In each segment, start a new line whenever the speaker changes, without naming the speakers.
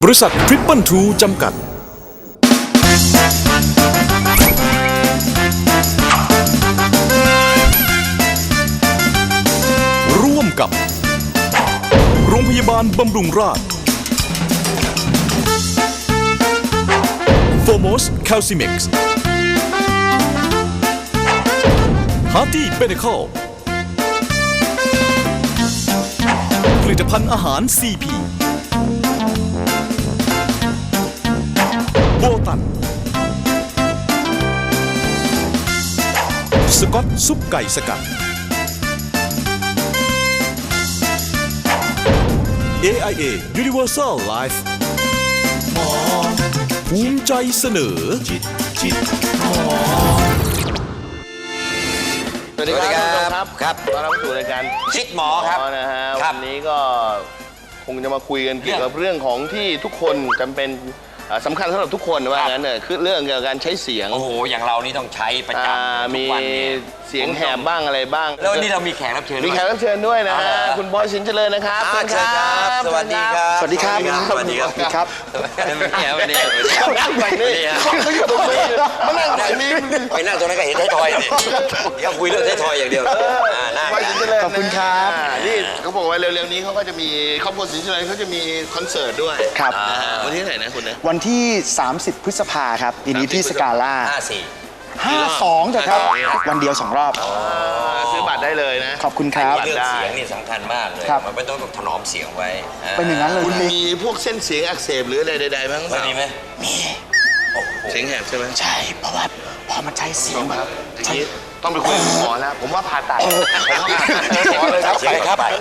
บริษัททริปเปิลทูจำกัดร่วมกับโรงพยาบาลบำรุงราษฎร์ Foremost Calcimex Hearty Medical ผลิตภัณฑ์อาหาร CP โบตันสกอตซุปไก่สกัด AIA Universal Life ภูมิใจเสนอ
สวัสดีครับครับ
ต้อนรับสู่รายการ
ชิดหมอครับ
นะฮะ
ครั
วั
บ
นนี้ก็คงจะมาคุยกันเกี่ยวกับเรื่องของที่ทุกคนจำเป็นสำคัญสำหรับทุกคนว่างั้นเนี่ยคือเรื่องเกี่ยวกับการใช้เสียง
โอ้โหอย่างเรานี่ต้องใช้ประจำทุ
มี
กวันเนี่ย
เสียงแหบบ้างอะไรบ้าง
แล้ววันนี้เรามีแขกรับเชิญ
มีแขกรับเชิญด้วยนะฮะคุณบอยสินเจริญนะครับ
เชิญครับสวัสดีครับ
สวัสดีครับ
สวัสดีครับ
ครับ
วันนี้
เขานั่งฝั่งนี้เขาอยู่ตรงนี้เขานั่งฝั่งนี้
ไปนั่งตรงนั้นก็เห็นไทยทอยเนี่ยเดี๋ยวคุยเรื่องไทยทอยอย่างเดียวนั่ง
บอยสินเจริญ
ขอบคุณครับ
นี่เขาบอกว่าเร็วๆนี้เขาก็จะมีครอบครัวสินเจริญเขาจะมีคอนเสิร์ตด้วย
ครับ
นะฮะวันที่ไหนนะคุณนะ
วันที่ 30 พฤษภาครับปีนี้ที่สกาล่า
54
52จ้ะครับ วันเดียว 2 รอบ
ซื้อบัตรได้เลยนะ
ขอบคุณครับ
เรื่องเสียงนี่สำคัญมากเลย
ครับ
มันไม่ต้องถนอมเสียงไว้
เป็นอย่างนั้นเลย
คุณ
พี่
มีพวกเส้นเสียงอักเสบหรืออะไรใดๆบ้างเป
มัน
ล่า
มีไหม
เสียงแหบใช่ไหม
ใช่ เพราะว่าพอมันใช้เสียงแบบ
ทีนี้ต้องไปคุยกับหมอแล้ว ผมว่าผ่าตัดผมว่าผ่าตัดหมอเลยครับ
ไปครับไป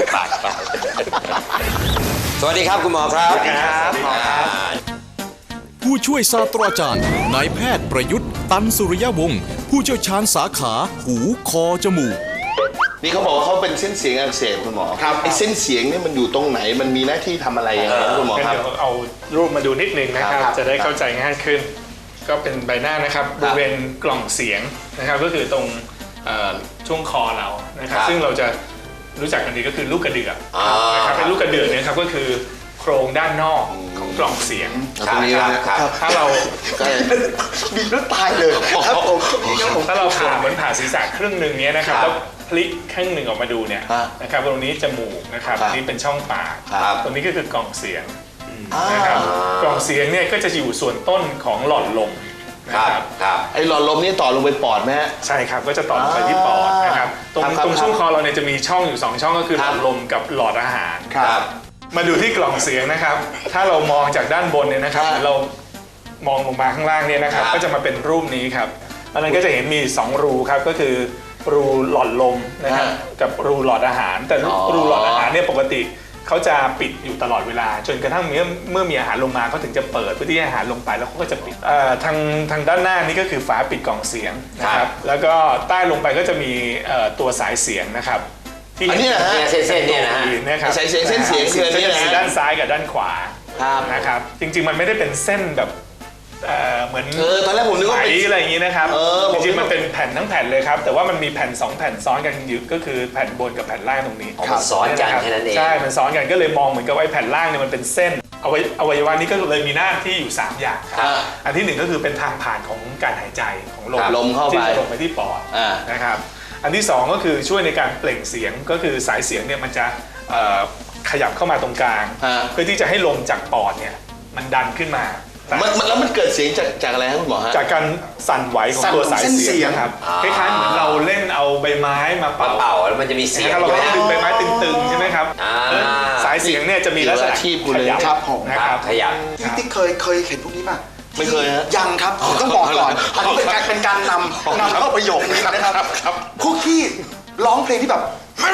สวัสดีครับคุณหมอครับ
ครับหมอครับ
ผู้ช่วยศาสตราจารย์นายแพทย์ประยุทธ์ตันสุริยวงศ์ผู้เชี่ยวชาญสาขาหูคอจมูก
นี่เขาบอกว่าเขาเป็นเส้นเสียงอักเสบคุณหมอครับไอ้เส้นเสียงนี่มันอยู่ตรงไหนมันมีหน้าที่ทำอะไรยังไงครับคุณหมอ
งั้น
ครับ
เดี๋ยวเอารูปมาดูนิดนึงนะครับ
ครับ
จะได้เข้าใจง่ายขึ้น ก็เป็นใบหน้านะครับบริเวณกล่องเสียงนะครับก็คือตรงช่วงคอเรานะครับ ซึ่งเราจะรู้จักกันดีก็คือลูกกระเดือกนะครับเป็นลูกกระเดือกเนี่ยครับก็คือโครงด้านนอกของกล่องเสียง
ตรงนี้นะครับ
ถ้าเรา
บีบแล้วตายเลยครับผม
ถ้าเราผ่าเหมือนผ่าศีรษะครึ่งหนึ่งเนี้ยนะครับแล้วพลิกครึ่งหนึ่งออกมาดูเนี่ยนะครับตรงนี้จมูกนะครับนี่เป็นช่องปากตรงนี้ก็คือกล่องเสียงนะครับกล่องเสียงเนี่ยก็จะอยู่ส่วนต้นของหลอดลมนะครับ
ไอ้หลอดลมนี่ต่อลงไปปอดไหมฮะ
ใช่ครับก็จะต่อลงไปที่ปอดนะครับตรง
ครับ
ตรงช่วงคอเราเนี่ยจะมีช่องอยู่2ช่องก็คือหลอดลมกับหลอดอาหาร
ครับ
มาดูที่กล่องเสียงนะครับ ถ้าเรามองจากด้านบนเนี่ยนะครับเรามองลงมาข้างล่างเนี่ยนะครับก็จะมาเป็นรูปนี้ครับอันนั้นก็จะเห็นมี2รูครับก็คือรูหลอดลมนะครับกับรูหลอดอาหาร แต่รูหลอดอาหารเนี่ยปกติเขาจะปิดอยู่ตลอดเวลาจนกระทั่งเมื่อมีอาหารลงมาเขาถึงจะเปิดเพื่อที่ให้อาหารลงไปแล้วเขาก็จะปิดทางด้านหน้านี่ก็คือฝาปิดกล่องเสียงนะครับแล้วก็ใต้ลงไปก็จะมีตัวสายเสียงนะครับที่
อันนี้นะฮะ
เส้นๆเนี่ยนะฮะ
นะครับ
สายเสียงเส้นเสียงคืออันนี้นะ
จะมีด้านซ้ายกับด้านขวา
ครับ
นะครับจริงๆมันไม่ได้เป็นเส้นแบบเหมือน
ตอนแรกผมนึกว่า
ไหม
เป็น
อะไรอย่างนี้นะครับ
ผมนึ
จริ
ก
งๆ
ว่า
มันเป็นแผ่นทั้งแผ่นเลยครับแต่ว่ามันมีแผ่น2แผ่นซ้อนกันอยู่ก็คือแผ่นบนกับแผ่นล่างตรงนี้
มันซ้อนกันแค่นั้นเอง
ใช่มันซ้อนกันก็เลยมองเหมือนกับไอ้แผ่นล่างเนี่ยมันเป็นเส้นอวัยวะนี้ก็เลยมีหน้าที่อยู่3อย่างครับอันที่1ก็คือเป็นทางผ่านของการหายใจของลม
ลมเข้าไป
ที่จะลงไปที่ปอด
อ่า
นะครับอันที่2ก็คือช่วยในการเปล่งเสียงก็คือสายเสียงเนี่ยมันจะขยับเข้ามาตรงกลางเพื่อที่จะให้ลมจากปอดเนี่ยมันดันขึ้นมา
แล้วมันเกิดเสียงจากอะไรครับคุณหมอฮะ
จากการสั่นไหวของตัวสายเสียงนะครับคล้ายๆเหมือนเราเล่นเอาใบไม้มาเป่า
แล้วมันจะมีเสียง
นะครับเราก็ดึงใบไม้ตึงๆใช่ไหมครับสายเสียงเนี่ยจะมีลักษณะขยับ
ครับผม
นะครับ
ขยับ
พี่ติ๊กเคยเห็นพวกนี้ป่ะ
ไม่เคยฮะ
ยังครับผมต้องบอกก่อนอันนี้เป็นการนำเข้าประโยคนี้นะครับพวกที่ร้องเพลงที่แบบ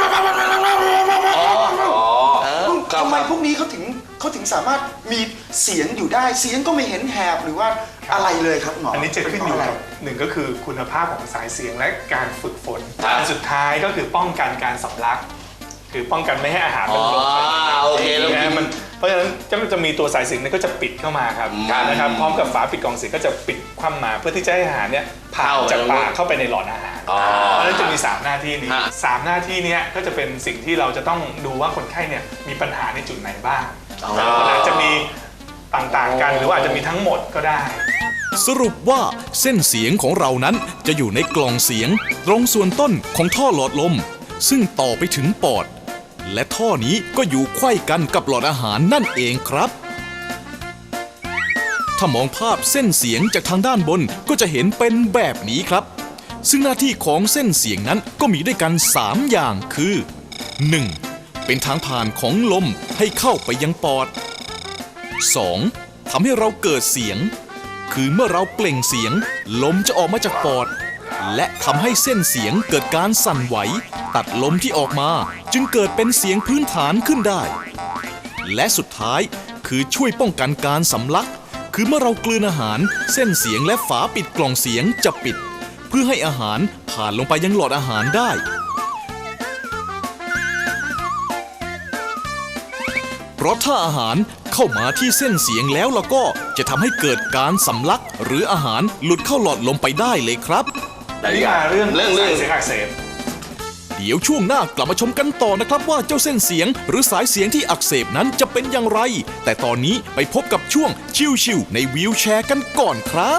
ทำไมพวกนี้เขาถึงสามารถมีเสียงอยู่ได้เสียงก็ไม่เห็นแหบหรือว่าอะไรเลยครับหมอ
อั
อั
นนี้จะขึ้นอยู่กับหนึ่งก็คือคุณภาพของสายเสียงและการฝึกฝนอันสุดท้ายก็คือป้องกันการสำลักคือป้องกันไม่ให้อาหารมันลงไป
โอเคแล้ว
มันเพราะฉะนั้นจะมีตัวสายเสียงเนี่ยก็จะปิดเข้ามาครับนะครับพร้อมกับฝาปิดกล่องเสียงก็จะปิดคว่ำมาเพื่อที่จะให้อาหารเนี่ยผ่านจากปากเข้าไปในหลอดอาหารเพราะฉะนั้นจะมี3หน้าที่นี้3หน้าที่นี้ก็จะเป็นสิ่งที่เราจะต้องดูว่าคนไข้เนี่ยมีปัญหาในจุดไหนบ้างอาจจะมีต่างๆกันหรือว่าอาจจะมีทั้งหมดก็ได้
สรุปว่าเส้นเสียงของเรานั้นจะอยู่ในกล่องเสียงตรงส่วนต้นของท่อหลอดลมซึ่งต่อไปถึงปอดและท่อนี้ก็อยู่ไขว้กันกับหลอดอาหารนั่นเองครับถ้ามองภาพเส้นเสียงจากทางด้านบนก็จะเห็นเป็นแบบนี้ครับซึ่งหน้าที่ของเส้นเสียงนั้นก็มีด้วยกัน3อย่างคือ 1. เป็นทางผ่านของลมให้เข้าไปยังปอด 2. ทำให้เราเกิดเสียงคือเมื่อเราเปล่งเสียงลมจะออกมาจากปอดและทำให้เส้นเสียงเกิดการสั่นไหวตัดลมที่ออกมาจึงเกิดเป็นเสียงพื้นฐานขึ้นได้และสุดท้ายคือช่วยป้องกันการสำลักคือเมื่อเรากลืนอาหารเส้นเสียงและฝาปิดกล่องเสียงจะปิดเพื่อให้อาหารผ่านลงไปยังหลอดอาหารได้เพราะถ้าอาหารเข้ามาที่เส้นเสียงแล้วก็จะทำให้เกิดการสำลักหรืออาหารหลุดเข้าหลอดลมไปได้เลยครับ
แต่นี่มาเรื่อง
เรื่อง
สายเสียงอักเสบ
เดี๋ยวช่วงหน้ากลับมาชมกันต่อนะครับว่าเจ้าเส้นเสียงหรือสายเสียงที่อักเสบนั้นจะเป็นอย่างไรแต่ตอนนี้ไปพบกับช่วงชิวๆในวีลแชร์กันก่อนครับ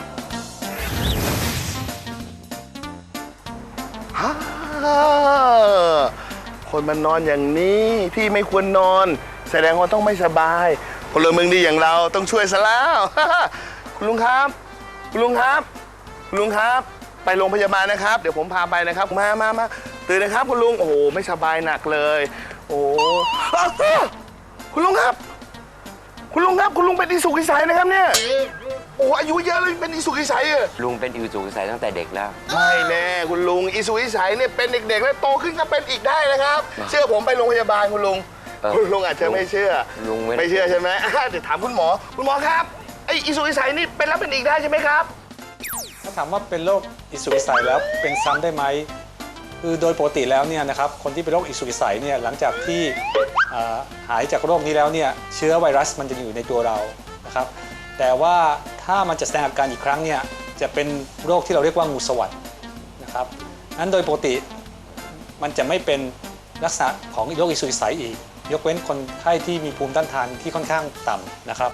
คนมันนอนอย่างนี้ที่ไม่ควรนอนแสดงว่าต้องไม่สบายพลเมืองดีอย่างเราต้องช่วยซะแล้ว คุณลุงครับคุณลุงครับคุณลุงครับไปโรงพยาบาลนะครับเดี๋ยวผมพาไปนะครับมาตื่นนะครับคุณลุงโอ้โหไม่สบายหนักเลยโอ้อ้าวคุณลุงครับคุณลุงครับคุณลุงเป็นอิสุกอิสัยนะครับเนี่ยโอ้อายุเยอะเลยเป็นอิสุกอิสัยอะ
ลุงเป็นอิวจูกใส่ตั้งแต่เด็กแล้ว
ไม่แน่คุณลุงอิสุกอิสัยเนี่ยเป็นเด็กๆแล้วโตขึ้นก็เป็นอีกได้นะครับ เชื่อผมไปโรงพยาบาลคุณลุง คุณลุงอาจจะไม่เชื่อ
ลุง
ไม่เชื่อใช่ไหมเดี๋ยวถามคุณหมอครับไออิสุกอิสัยนี่เป็นแล้วเป็นอีกได้ใช่ไหมครับ
ถ้าถามว่าเป็นโรคอิสุกอิสัยแล้วเป็นซ้ำได้ไหมคือโดยปกติแล้วเนี่ยนะครับคนที่เป็นโรคอิสุกอิสัยเนี่ยหลังจากที่หายจากโรคนี้แล้วเนี่ยเชื้อไวรัสมันจะอยู่ในตัวเรานะครับแต่ว่าถ้ามันจะแสดงอาการอีกครั้งเนี่ยจะเป็นโรคที่เราเรียกว่างูสวัสดนะครับนั้นโดยปกติมันจะไม่เป็นลักษณะของโรคอิสุกอิสัยอีกยกเว้นคนไข้ที่มีภูมิต้านทานที่ค่อนข้างต่ำนะครับ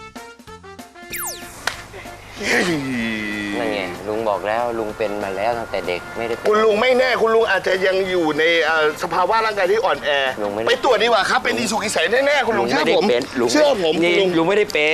นั่นไงลุงบอกแล้วลุงเป็นมาแล้วตั้งแต่เด็กไม่ได้เป็น
คุณลุงไม่แน่คุณลุงอาจจะยังอยู่ในสภาวะร่างกายที่อ่อนแอ
ลุงไม่ได้
ไปตรวจดีกว่าครับเป็นอิสุกอิสัยแน่ๆคุณลุงเชื่อผม
ลุง
เชื่อผม
นี่
คุณลุง
ลุงไม่ได้เป็น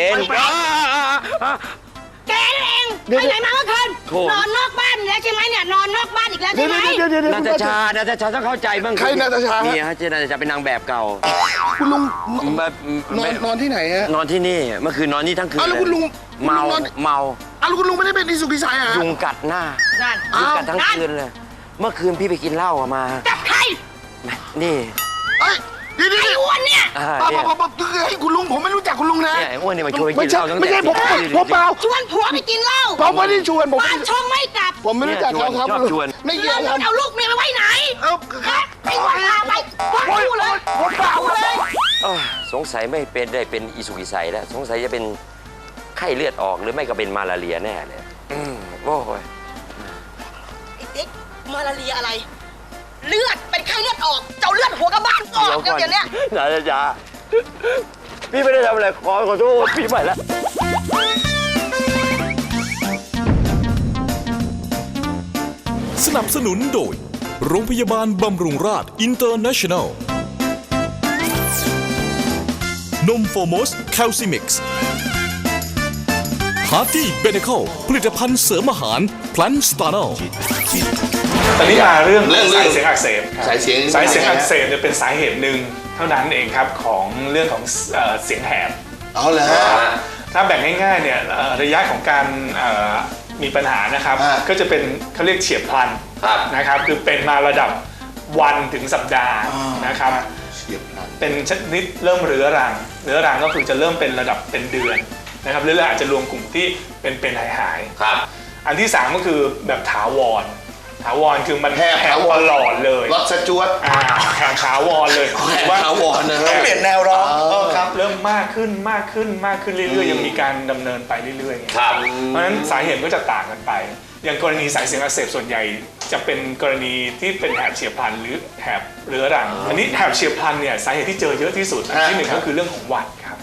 แกนั่นเองไปไหนมาเมื่อคืน
โถ่
นอนนอกบ้านอีกแล้วใช่ไหมเนี่ยนอนนอกบ้านอีกแล้ว
เดี๋
ใช่
ยว
ไหม
เดี๋ยว
นาตาชต้องเข้าใจบ้าง
ใครนาตาชา
นี่ฮะเจนาตาชาเป็นนางแบบเก่า
คุณลุง
แบบ
นอนที่ไหนฮะ
นอนที่นี่เมื่อคืนนอนนี่ทั้งคืน
อ้าวแล้วคุณลุง
เมา
คุณลุงนอน
เมา
อ้าวแล้วคุณลุงไม่ได้เป็นอิสุกอิสัยเหรอ
ยุงกัดหน้า
นั่น
ยุงกัดทั้งคืนเลยเมื่อคืนพี่ไปกินเหล้ามา
จับใคร
นี่
เอ้ยเดี๋ยว
ไอ้อ้วนเนี่ย
ป้า
เนี่ย
ให้คุณลุงผมไม่รู้จักคุณลุงนะ
เนี่ยไอ้อ้วนนี่มาชวนไป
ไม่
กินเห
ใช่
ล้าตั้งแต่
ไม่ใช่ผมเปล่า
ชวนผัวไปกินเหล้า
ผมไม่ได้ชวนผม
บ้านช่องไม่กลับ
ผมไม่รู้จักเขาครับ
ชอบชวน
ไม่เกี่ย
แล้ว ว
ครับ
เอาลูกเมียไปไว้ไหน
เอ้า
ไอ้อ้วนพาไปพ่อคู่เลย
ผมเปล่าเลย
สงสัยไม่เป็นได้เป็นอิสุกิไสแล้วสงสัยจะเป็นไข้เลือดออกหรือไม่ก็เป็นมาลาเรียแน่เลยโอ้ย
ไอ้ติ๊กมาลาเรียอะไร เลือดเป็นไข้เลือดออกเจ้าเลือดหัวกระบ้านออกเดี๋ยวเนี้ย
นาตาชาพี่ไม่ได้ทำอะไรขอโทษพี่ไปแล้ว
สนับสนุนโดยโรงพยาบาลบำรุงราษอินเตอร์เนชั่นแนลนมโฟมอสแคลซิมิกซ์ฮาร์ตี้เบเนคอลผลิตภัณฑ์เสริมอาหารพลันสตาร์นอล
ตอนนี้มาเรื่อง
เรื่อง
สายเสียงอักเสบ
สายเสียง
สายเสียงอักเสบเนี่ยเป็นสาเหตุหนึ่งเท่านั้นเองครับของเรื่องของเสียงแหบ
เอาเลย
ถ้าแบ่งง่ายๆเนี่ยระยะของการมีปัญหานะครับก็จะเป็นเขาเรียกเฉียบพลันนะครับคือเป็นมาระดับวันถึงสัปดาห์นะครับ
เฉียบพลัน
เป็นชนิดเริ่มเรื้อรังก็คือจะเริ่มเป็นระดับเป็นเดือนนะครับหรืออาจจะรวมกลุ่มที่เป็นหายอันที่สามก็คือแบบถาวรคือมันแหบตลอดเลย
รถสจวต
แหบถาวรเลย
แหบถาวรนะ
แหบ
เปลี่ยนแนวร้อง
ครับเริ่มมากขึ้นเรื่อยๆยังมีการดำเนินไปเรื่อยๆครับเพราะฉะนั้นสาเหตุก็จะต่างกันไปอย่างกรณีสายเสียงอักเสบส่วนใหญ่จะเป็นกรณีที่เป็นแหบเฉียบพลันหรือแหบเรื้อรังอันนี้แหบเฉียบพลันเนี่ยสาเหตุที่เจอเยอะที่สุดอันที่หนึ่งก็คือเรื่องของหวัดครับ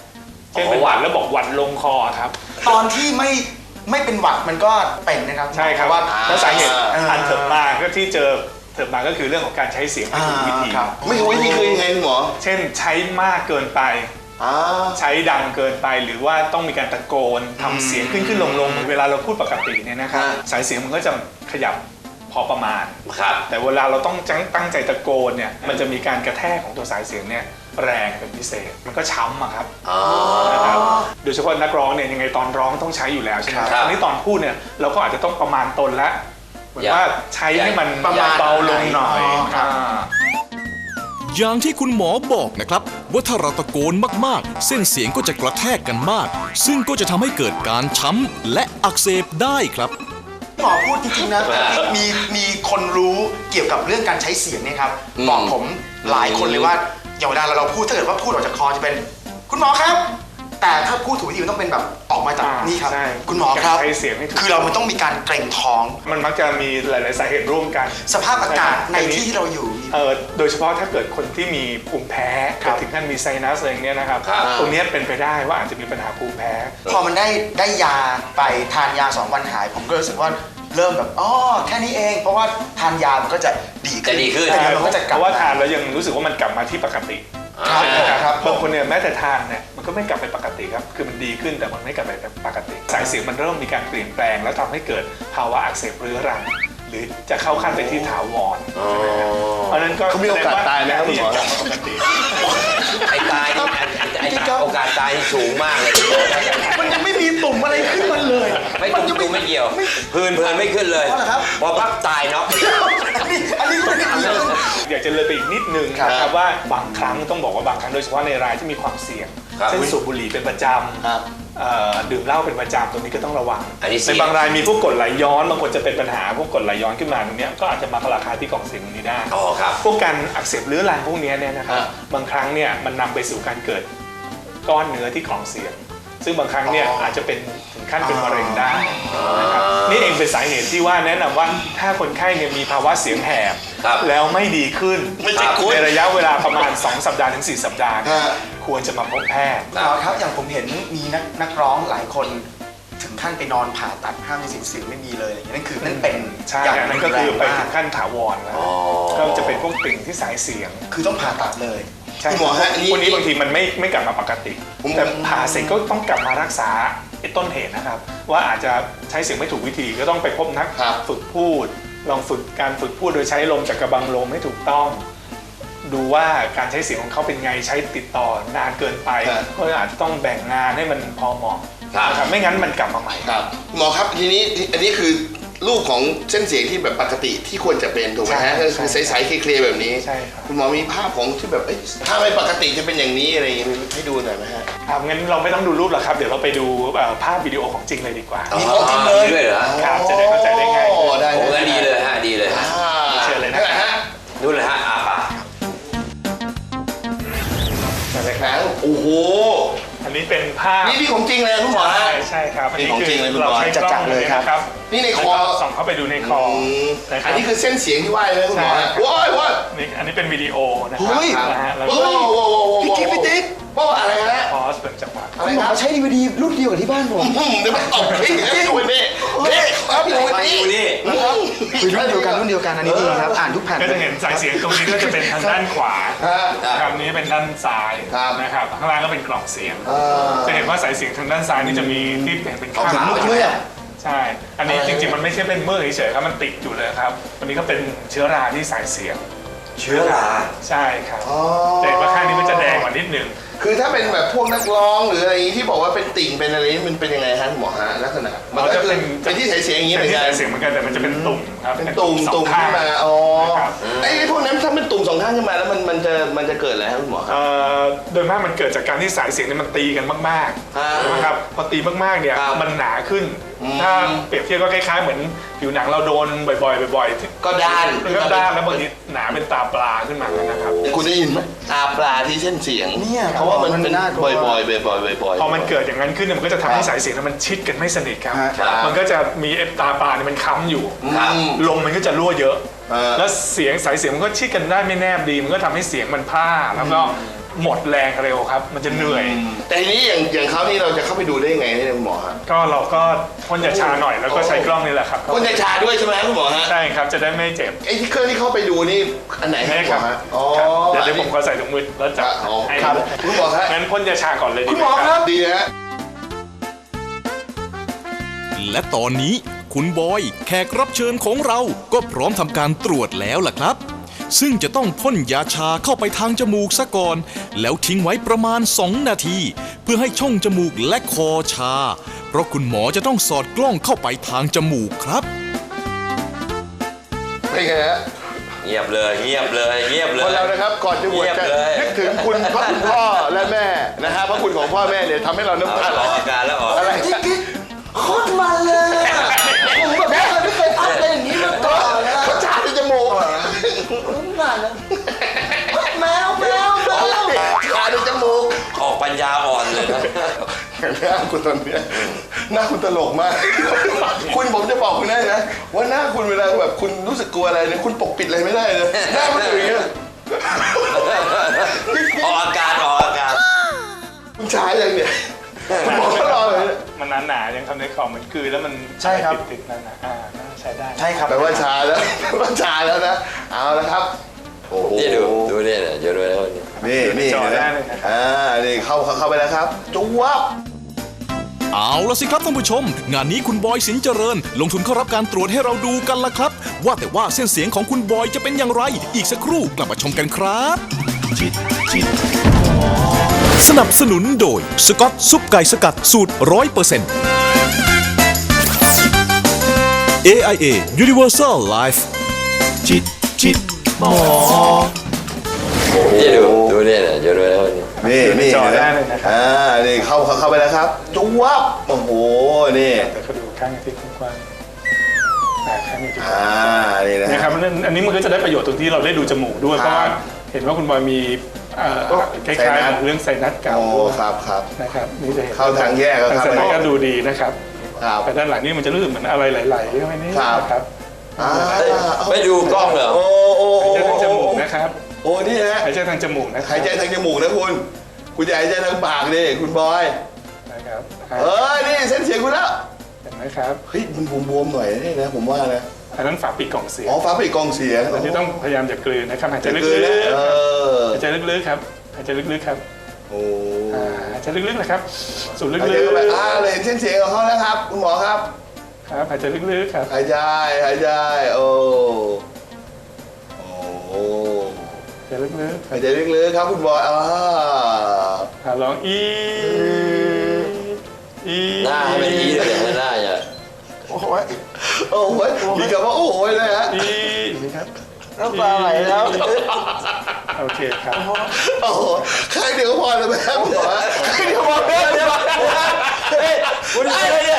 เช่นเป็นหวัดแล้วบอกหวัดลงคอครับ
ตอนที่ไม่เป็นหวัดมันก็เป็นนะครับ
ใช่ครับ
ว่า
แล้วสาเหตุอันเถิดมาก็ที่เถิดมาก็คือเรื่องของการใช้เสียงไม่ถูกวิธี
ครับ
ไม่รู้วิธีคือยังไงคุณหมอ
เช่นใช้มากเกินไป ใช้ดังเกินไปหรือว่าต้องมีการตะโกนทำเสียงขึ้นลงเหมือนเวลาเราพูดปกติเนี่ยนะครับ สายเสียงมันก็จะขยับพอประมาณ
ครับ
แต่เวลาเราต้องตั้งใจตะโกนเนี่ยมันจะมีการกระแทกของตัวสายเสียงเนี่ยแรงเป็นพิเศษมันก็ช้ำอะครับนะครับโดยเฉพาะนักร้องเนี่ยยังไงตอนร้องต้องใช้อยู่แล้วใช่ไหม
ครับ
อันนี้ตอนพูดเนี่ยเราก็อาจจะต้องประมาณตนและเหมือนว่าใช้ให้มัน
ประมาณ
เบาลงหน่อย
ครับ
อย่างที่คุณหมอบอกนะครับว่าถ้าเราตะโกนมากๆ เส้นเสียงก็จะกระแทกกันมาก ซึ่งก็จะทำให้เกิดการช้ำและอักเสบได้ครับ
หมอพูดจริงๆนะมีคนรู้เกี่ยวกับเรื่องการใช้เสียงเนี่ยครับบอกผมหลายคนเลยว่าอย่างเวลาเราพูดถ้าเกิดว่าพูดออกจากคอจะเป็นคุณหมอครับ แต่ถ้าพูดถูกวิธีมันต้องเป็นแบบออกมาจากนี่ครับ
ใช่
คุณหมอครับ
ใช้เสียงให้ถูก
คือเรามันต้องมีการเกรงท้อง
มันมักจะมีหลายๆสาเหตุร่วมกัน
สภาพอากาศใน
อั
ที่ที่เราอยู่
โดยเฉพาะถ้าเกิดคนที่มีภูมิแพ้
ครับ
ถึงขั้นมีไซนัสอะไรอย่างเงี้ยนะครับ
ครับ
ตรงเนี้ยเป็นไปได้ว่าอาจจะมีปัญหาภูมิแพ้
พอมันได้ยาไปทานยา2 วันหาย ผมก็รู้สึกว่าเริ่มแบบอ๋อแค่นี้เอง เพราะว่าทานยามันก็จะดีขึ้น
จะดีขึ้น
แต่เดี๋ยวมันก็จะก
เพ
ลับ
ราะว่า
มา
ทานแล้วยังรู้สึกว่ามันกลับมาที่ปกติ
ครับ
นะครับบางคนเนี่ยแม้แต่ทานเนี่ยมันก็ไม่กลับไปปกติครับคือมันดีขึ้นแต่มันไม่กลับไปปกติ สายเสียงมันเริ่มมีการเปลี่ยนแปลง แล้วทำให้เกิดภาวะอักเสบเรื้อรัง หรือจะเข้าขั้นไปที่ถาวรเพราะฉะนั้นก็
เขามีโอกาสตายไหมครับคุณหมอ
ที่จะกลับมาปกติ
ไอ้ตายนี่ไอ้โอกาสตายนี่สูงมากเลย
มันยังไม่มีตุ่มอะไรขึ้นมาเลย
ไม่ตุ้มไม่เกี่ยวพื้นไม่ขึ้นเลย
เพราะอะไรครับ
พอปั๊บตายเนาะ
อันนี้ไม่ได้เรื่อง
อยากจะเลยไปอีกนิดนึง
ครับ
นะครับว่าบางครั้งต้องบอกว่าบางครั้งโดยเฉพาะในรายที่มีความเสี่ยง
ครับ
เช่นสูบบุหรี่เป็นประจ
ครับ
ำดื่มเหล้าเป็นประจำตรงนี้ก็ต้องระวัง
อันนี้เสี่
ใน
ยง
บางรายมีพวกกรดไหลย้อนบางคนจะเป็นปัญหาพวกกรดไหลย้อนขึ้นมาตรงเนี้ยก็อาจจะมาราคาที่กล่องเสียงตรงนี้ได้
อ๋อครับ
พวกการอักเสบเรื้อรังพวกเนี้ยเนี่ยนะครับบางครั้งเนี่ยมันนำไปสู่การเกิดก้อนเนื้อที่กล่องเสียง ซึ่งบางครั้งเนี่ยอาจจะเป็นถึงขั้นเป็นมะเร็งได้นะครับนี่เองเป็นสาเหตุที่ว่าแนะนำว่าถ้าคนไข้เนี่ยมีภาวะเสียงแหบ
ครับ
แล้วไม่ดีขึ้น
ไม่ใช่คุณ
ในระยะเวลาประมาณ 2 สัปดาห์ถึง 4 สัปดาห์เนี่ย
ฮะ
ควรจะมาพบแพทย์
หมอครับอย่างผมเห็นมีนักร้องหลายคนถึงขั้นไปนอนผ่าตัดห้ามมีเสียงไม่มีเลยอะไรอย่างเงี้ยนั่นคือนั่นเป็น
ใช่
อย่าง
อันนั้นก็คือไป
รุนแรง
ถึ
มาก
งขั้นถาวรแล้วก็จะเป็นพวกติ่งที่สายเสียง
คือต้องผ่าตัดเลย
ใช่
คุณหมอฮะอันนี้
พวกนี้บางทีมันไม่กลับมาปกติ
ผม
แต่ผ่าเสร็จก็ต้องกลับมารักษาไอ้ต้นเหตุนะครับ ว่าอาจจะใช้เสียงไม่ถูกวิธีก็ต้องไปพบนัก
ครับ
ฝึกพูด ลองฝึกการฝึกพูดโดยใช้ลมจากกระบังลมให้ถูกต้อง ดูว่าการใช้เสียงของเขาเป็นไงใช้ติดต่อนานเกินไป
ครับ
ก็อาจจะต้องแบ่งงานให้มันพอเหมาะ
ครับ
นะครับไม่งั้นมันกลับมาใหม่
ครับหมอครับทีนี้อันนี้คือรูปของเส้นเสียงที่แบบปกติที่ควรจะเป็นถูกไหมฮะ
ใช่
ก็คือใสๆเคลียร์ๆแบบนี้
ใช่ครับ
คุณหมอมีภาพของที่แบบเอ้ยถ้าไม่ปกติจะเป็นอย่างนี้อะไรอย่างงี้ให้ดูหน่อยไหมฮะ
ครับงั้นเราไม่ต้องดูรูปหรอกครับ เดี๋ยวเราไปดูภาพวิดีโอของจริงเลยดีกว่า
มีของจริงเลย
ด้วยเหรอ
ครับจะได้เข้าใจได้ง่าย
โอ้ได้
โอ้งั้นดีเลยฮะดีเลยฮะ
เชิญเลยนะครับ
ฮะ
นู่นเลยฮะป่า
นั่นเลยค
ห
รั
นั
บ
งโอ้โห
อันนี้เป็นภาพ
นี่ของจริงเลยคุณหมอฮะ
ใช่ครับ
นี่ของจริงเลยคุณหมอ
เราใช้กล้อง
เลยครับ
นะครับ
นี่ในคอ
แล้วก็ส่องเข้าไปดูในคอนะค
อั
รั
น
บ
นี้คือเส้นเสียงที่ว่าเลยคุณหมอฮะ
ใช่ครับ
ว้ายว้าย
อันนี้เป็นวิดีโอนะครั
เฮ้ย
นะฮะแล้ว
โอ้
ก็
โห
พี่ติ๊ก
ว่าอะไรฮะ
พอสเป็นจังหวะ
อะไร
คุณหม
ค
อ
รับ
ใช้ DVD รุ่นเดียวกับที่บ้านผม
เดี๋ยวมันตบพี่ดูนี่ครับดู
ไป
นี่
ดูนี่
นะครับ
คือรุ่นเดียวกันรุ่นเดียวกันอันนี้ดีครับ อ่านทุกแผ่น
ก็
เล
จะ
ย
เห็นสายเสียงตรงนี้ก็จะเป็นทางด้านขวา
ฮะ
ครับนี้เป็นด้านซ้าย
ครับ
นะครับข้างล่างก็เป็นกล่องเสียง จะเห็นว่าสายเสียงทางด้านซ้ายนี่จะมีที่เป็นข้าง
ถึง
ห
มื
ลั
อง เลยอ่ะ
ใช่ อันนี้จริงๆมันไม่ใช่เป็นเมื่อเฉยๆครับมันติดอยู่เลยครับวันนี้ก็เป็นเชื้อราที่สายเสียง
เชื้อรา
ใช่ครับแต่เห็นว่าข้างนี้มันจะแดงกว่านิดนึง
คือถ้าเป็นแบบพวกนักร้องหรืออะไรอย่างนี้ที่บอกว่าเป็นติ่งเป็นอะไรนี่มันเป็นยังไงฮะหมอฮะลักษณะมันก็คือเป็นที่สายเสียงอย่างนี้เหมื
เป็น
อน
ที่
กัน
สายเสียงเหมือนกันแต่มันจะเป็นตุ่มครับ
เป็นตุ่ม
สอ
ตุ่
ง
ม
ข้
ขึ้
ง
นมาอ๋อ
นะครับ
ไอ้พวกนั้นถ้าเป็นตุ่มสองข้างขึ้นมาแล้วมันจะเกิดอะไรครับคุณหมอครับ
โดยมากมันเกิดจากการที่สายเสียงเนี่ยมันตีกันมาก
อ่า
ๆนะครับพอตีมากๆเนี่ย
ครับ
มันหนาขึ้น ถ้าเปรียบเทียบก็คล้ายๆเหมือนผิวหนังเราโดนบ่อยๆบ่อยๆ
ก็ด้าน
มันก็ด้านแล้วบางทีหนาเป็นตาปลาขึ้นมานะครับ
คุณได้ยินไหมตาปลาที่เส้นเสียง
เนี่ย
เพราะว่ามันเป็น
น่ากลัว
บ่อยๆ
พอมันเกิดอย่างนั้นขึ้นเนี่ยมันก็จะทำให้สายเสียงนั้นมันชิดกันไม่สนิทครับ
ครับ
มันก็จะมีตาปลาเนี่ยมันค้ำอยู่
ครับ
ลมมันก็จะรั่วเยอะ
อ่า
แล้วเสียงสายเสียงมันก็ชิดกันได้ไม่แนบดี มันก็ทำให้เสียงมันพร่าแล้วก็หมดแรงเร็วครับ มันจะเหนื่อย
แต่ทีนี้อย่างเขานี่เราจะเข้าไปดูได้ยังไงเนี่ยคุณหมอฮะ
ก็เราก็พ่นยาชาหน่อยแล้วก็ใช้กล้องนี่แหละครับ
พ่นยาชาด้วยใช่ไหมคุณหมอฮะ
ใช่ครับจะได้ไม่เจ็บ
ไอ้ที่เครื่องที่เข้าไปดูนี่อันไหนครับ
นี่
คุณห
ค
ม
รั
อบ ฮะอ๋อ
ครับเดี๋ยวผมก็ใส่ถุงมือแล้วจับ
อ๋อ
ให้
ครับคุณหมอฮะ
งั้นพ่นยาชาก่อนเลยดี
คุณ
ไห
ห
ม
มอ
ค
ค
รั
รั
บบ
ดีนะฮะ
และตอนนี้คุณบอยแขกรับเชิญของเราก็พร้อมทำการตรวจแล้วล่ะครับ ซึ่งจะต้องพ่นยาชาเข้าไปทางจมูกซะก่อน แล้วทิ้งไว้ประมาณ 2 นาที เพื่อให้ช่องจมูกและคอชา เพราะคุณหมอจะต้องสอดกล้องเข้าไปทางจมูกครับ
เป็นไงฮะ
เงียบเลยเงียบเลยเงียบเลย
คนเรานะครับก่อนจะบวช
เงียบ
กัน
เลย
นึกถึงคุณพระคุณพ่อและแม่นะฮะพระคุณของพ่อแม่เนี่ยทำให้เราน้ำตาไหล
ออกอาการแล้วออก
อะไร
โคตรมันเลยอะผมแบบไม่เคยอัพอะไรอย่างนี้มาก่อนนะ
เขาชาในจมูก
มันนะแมว
ชาในจมูก
ออกปัญญาอ่อนเลยนะ
หน้าคุณตอนเนี้ยหน้าคุณตลกมาก คุณผมจะบอกคุณได้นะว่าหน้าคุณเวลาแบบคุณรู้สึกกลัวอะไรเนี่ยคุณปกปิดอะไรไม่ได้เลยหน้ามันอยู่อย่างเงี้ย
ออกอาการออกอาการ
คุณชาอย่างเนี่ยคุณหมอก็รอเลย
มันหนาๆยังทำในของมันคือแล้วมัน
ใช่ครับ
ติดๆนั่นนะน่าใช้ได้
ใช่ครับ
แปลว่าชาแล้วแปลว่าชาแล้วนะเอาละครับโอ้โห
นี่ดูเนี่ยเดี๋ยวดูแล้วนี่
นี่
จอ
นะ
ได้เลยนะครับ
นี่เข้าไปแล้วครับจุ๊บ
เอาละสิครับท่านผู้ชม งานนี้คุณบอยสินเจริญ ลงทุนเข้ารับการตรวจให้เราดูกันละครับ ว่าแต่ว่าเส้นเสียงของคุณบอยจะเป็นอย่างไร อีกสักครู่กลับมาชมกันครับ สนับสนุนโดยสกอตซุปไก่สกัดสูตร 100% AIA Universal Life
นี่ดูเนี่ยเดี๋ยวดูแล้วนี่
นี่
จอได้เลยนะครับ
นี่เข้าไปแล้วครับจุ๊บโอ้โหนี่
แต่ก็ดูข้างที่กว้างๆข้างนี้
นี่นะ
นะครับอันนี้มันก็จะได้ประโยชน์ตรงที่เราได้ดูจมูกด้วย เพราะว่าเห็นว่าคุณบอยมีคล้ายๆเรื่องไซนัสเก่า
โอ้ครับ
นะครับนี่จะเห็น
เข้าทางแยกแล้วครับ
ทางไซนัสก็ดูดีนะครับ
ครับ
แต่ด้านหลังนี่มันจะรู้สึกเหมือนอะไรไหลๆเข้าไปนี่
ครับ
นะครับ
ไม่ดูกล้องเหรอ
โอ้
หายใจทางจมูกนะครับ
โอ้นี่ฮะ
หายใจทางจมูกนะครั
หายใจทางจมูกนะคุณจะหายใจทางปากดิคุณบอย
นะครับ
นี่เส้นเสียงคุณแล้ว
เห็นไหมครับ
เฮ้ยมันบวมๆหน่อยนะผมว่านะ
อันนั้นฝาปิดกล่องเสียง
อ๋อฟ้าปิดกองเสียง
อันนี้ต้องพยายามอย่ากลืนนะครับหายใจลึก
คือนะ
ๆหายใจลึกๆครับหายใจลึกๆครับ
โอ้
หายใจลึกๆนะครับสูดลึก
หายใจ
ๆ
เข้าไปเลยเส้นเสียงของเขาแล้วครับคุณหมอครับ
ครับหายใจลึกๆครับ
หายใจโอ้โห
หายใจลึก
หายใจลึกๆครับคุณบอย
ๆลอง
หน้าให้มันอีเลยหน้าอย่า
โอ้โหมีคำว่าโอ้โหเลยฮะ
ครับ
น้ำตาไหลแล้ว
โอเคครับ
โอ้โหใครเดียวก็พอเลยไหมครับคุณหมอใครเดียวพอเลย
คุณอะไรเนี่ย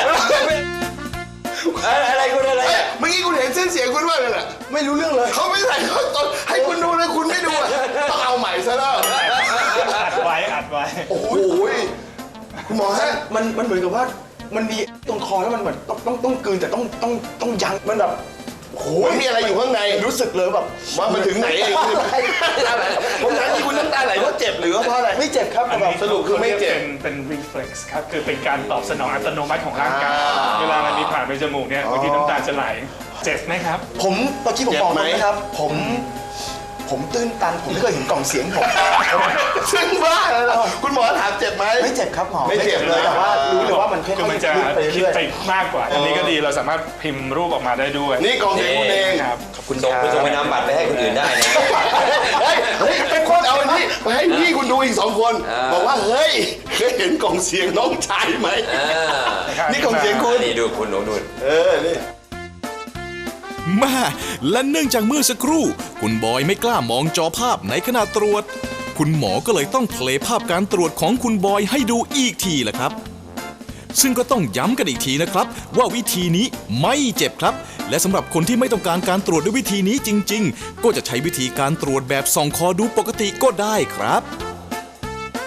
อะไรคุณอะไร
เมื่อกี้คุณเห็นเส้นเสียงคุณว่าเลยแหละ
ไม่รู้เรื่องเลย
เขาไม่ใส่เขาตอนให้คุณดูเลยคุณไม่ดูอ่ะต้องเอาใหม่ซะแล้ว
อัดไว้
โอ้โหคุณหมอฮะ
มันเหมือนกับว่ามันมีตรงคอแล้วมันเหมือนต้องกลืนแต่ต้องยั้งมันแบบ
โอ้โหมีอะไรอยู่ข้างใน
รู้สึกเลยแบบ
ว่ามันถึงไหนเองผมถามที่คุณน้ำตาไหลเพราะเจ็บหรือว่าเพราะอะไร
ไม่เจ็บครับ
อัน
แบ
นี้
บ
สรุปคือไม่เจ็บ
เป็น reflex ครับ คือเป็นการตอบสนองอัตโนมัติของร่างกาย เวลามันมีผ่านไปจมูกเนี่ยบางทีน้ำตาจะไหล เจ็บไหมครับ
ผมเมื่อกี้ผมบอกเลยนะครับ ผมตื้นตันผมไม่เคยเห็นกล่องเสียงผม
ซึ่งบ้าเลยนะคุณหมอถามเจ็บไหม
ไม่เจ็บครับหมอ
ไม่เจ็บเลย
แต่ว่ารู้เลยว่ามันค่อย
คือมันจะ
ๆลึกไป
คิด
เรื่อย
ไปมากกว่า อันนี้ก็ดีเราสามารถพิมพ์รูปออกมาได้ด้วย
นี่กองเสียงคุณเอง
ครับ
คุณส่งไปนำบัตรไปให้คนอื่นได้นะ
เฮ้ยเป็นคนเอาอันนี้ไปให้พี่คุณดูอีก2 คน บอกว่าเฮ้ยเคยเห็นกล่องเสียงน้องชายไหมนี่กล่องเสียงคุณ
นี่ดูคุณหนูดู
นี่
แม่และเนื่องจากเมื่อสักครู่ คุณบอยไม่กล้ามองจอภาพในขณะตรวจ คุณหมอก็เลยต้องเพลย์ภาพการตรวจของคุณบอยให้ดูอีกทีละครับ ซึ่งก็ต้องย้ำกันอีกทีนะครับ ว่าวิธีนี้ไม่เจ็บครับ และสำหรับคนที่ไม่ต้องการการตรวจด้วยวิธีนี้จริงๆ ก็จะใช้วิธีการตรวจแบบส่องคอดูปกติก็ได้ครับ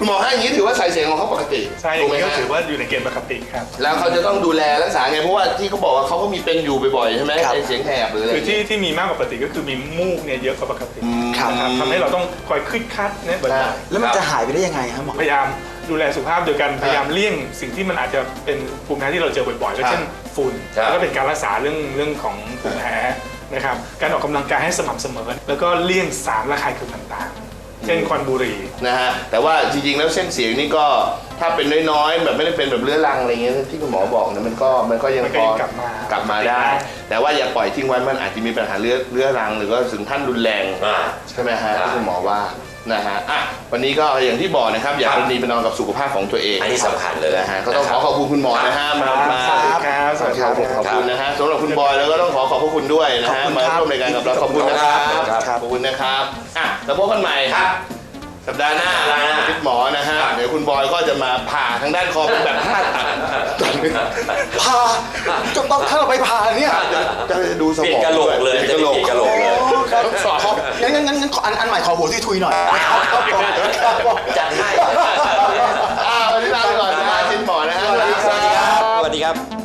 คุณหมอให้อย่างนี้ถือว่าสายเสียงของเขาปกติ
ใช่อ
ถู
ย่าก ง
ไหม
นี้ก็
ฮะ
ถือว่าอยู่ในเกณฑ์ปกติครับ
แล้วเขาจะต้องดูแลรักษาไงเพราะว่าที่เขาบอกว่าเขาก็มีเป็นอยู่บ่อยๆใช่ไหมไอเสียงแหบหรืออะไร
คือที่มีมากกว่าปกติก็คือมีมูกเนี่ยเยอะกว่าปกติ
ครับ
นะครับทำให้เราต้องคอยคึดคัดเนี่ยบ่อย
แล้วมันจะหายไปได้ยังไงครับหมอ
ๆพยายามดูแลสุขภาพโดยการพยายามเลี่ยงสิ่งที่มันอาจจะเป็นภูมิแพ้ที่เราเจอบ่อยๆก็เช่นฝุ่น
ครับ
แล้วก็เป็นการรักษาเรื่องของภูมิแพ้นะครับการออกกำลังกายให้สม่ำเสมอ แล้วก็เลี่ยงสารระคายเคืองต่างๆ เช่นควันบุหรี่
นะฮะแต่ว่าจริงๆแล้วเส้นเสียงนี่ก็ถ้าเป็นน้อยๆแบบไม่ได้เป็นแบบเรื้อรังอะไรเงี้ยที่คุณหมอบอกเนี่ยมันก็ยัง
มันก็
พอ
ยังกลับมา
ได้ แต่ว่าอย่าปล่อยทิ้งไว้มันอาจจะมีปัญหาเรื้อรังหรือก็ถึงขั้นรุนแรง ใช่ไหมฮะที่คุณหมอว่านะฮะอ่ะวันนี้ก็อย่างที่บอกนะครับอย่าประนีประนอมกับสุขภาพของตัวเอง
อันนี้สำคัญเลย
นะฮะก็ต้องขอบคุณคุณหมอนะฮะมา
สวัสดีครับสวัสดีครับ
ขอบคุณนะฮะสำหรับคุณบอยแล้วก็ต้องขอบพระคุณด้วยนะฮะมาร่วมรายการกับเราขอบคุณนะครับ
ครับ
ขอบคุณนะครับอ่ะแล้วพบกันใหม่ครับสัปดาห์หน้าทิศหมอนะฮะเดี๋ยวคุณบอยก็จะมาผ่าทางด้านคอเป็นแบบผ่าตัด
ผ่าจนต้องถ้าเราไปผ่าเนี่ย
จะดูสมอง
เปลี่ยนกะโหลกเลย
ปนกะโหลก
จะเปลี่ยนกะโหลกเลย
ต้องสอบ
งั้นขออันใหม่ขอหัวทุยๆหน่อย
จัดให้
วันนี้ลาไปก่อนนะฮะทิศหมอนะฮะ
สวัสดีครับ